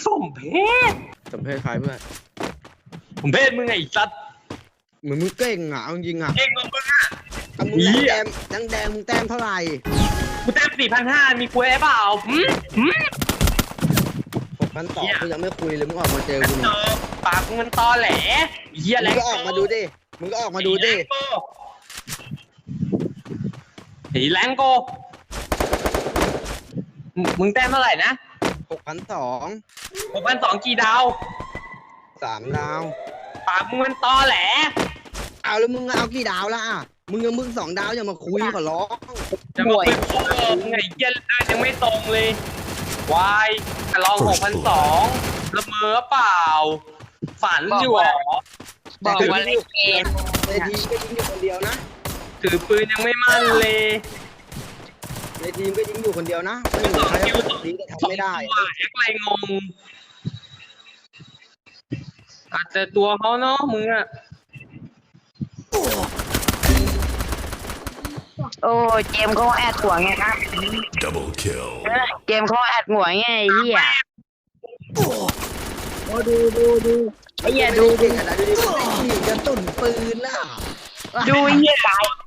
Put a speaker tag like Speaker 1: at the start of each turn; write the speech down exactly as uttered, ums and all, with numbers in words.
Speaker 1: สมเพศ
Speaker 2: สมเพศใครเพื่อน
Speaker 1: ผมเพศมึงไงสัตว์
Speaker 2: เหมือนมึงเก่งอ่ะจริงอ่ะ
Speaker 1: เก่งกว่ามึงอ่ะ
Speaker 2: เอามึงแต้มแดงแดงมึงแต้มเท่าไหร่
Speaker 1: กูแต้มสี่พันห้ามีคุยเปล่าหืมหืม
Speaker 2: หกพันสองกูยังไม่คุยเลยมึงออกมาเจอกู
Speaker 1: เจอปากมึงมันตอแหลเฮีย
Speaker 2: มึ
Speaker 1: แรง ง
Speaker 2: ก็ออกมาดูดิมึงก็ออกมาดูดิ
Speaker 1: สีแรงโกมึงแต้มเท่าไหร่นะ
Speaker 2: หกพันสอง
Speaker 1: หกพันสองกี่ดาว
Speaker 2: สามดาว
Speaker 1: ปากมึงมันตอแหล
Speaker 2: เอาแล้วมึงเอากี่ดาวละอ่ะมึงยังมึงสองดาวอย่ามาคุยขอร้อง
Speaker 1: จะมาเป็นโคเวอร์มึงไงเฮียเดินยังไม่ตรงเลยวายลองหกพันสองละเมอเปล่าฝันอยู่หรอ
Speaker 3: บอกว่าเล่นเกม
Speaker 2: ในทีมก็ยิงอยู่คนเดียวนะ
Speaker 1: ถือปืนยังไม่มั่นเลย
Speaker 2: ในทีมก็ยิงอยู่คนเดียวนะไม่เหมือนใครคนนี้ก็ทำไม่ได้
Speaker 1: แอ็กไรงงอาจจะตัวเขาเนาะมึงอะ
Speaker 3: โอ้เกมเขาแอดหัวไงครับ
Speaker 4: Double kill
Speaker 3: เกมเขาแอดหัวไงไอ้เหี้ยโอ้ดูดูดูไอ้เหี้ยดู
Speaker 2: เก่งขนาดนี้ไม่ยิงจะตุ่นปืนล่ะ
Speaker 3: ดูไอ้เหี้ย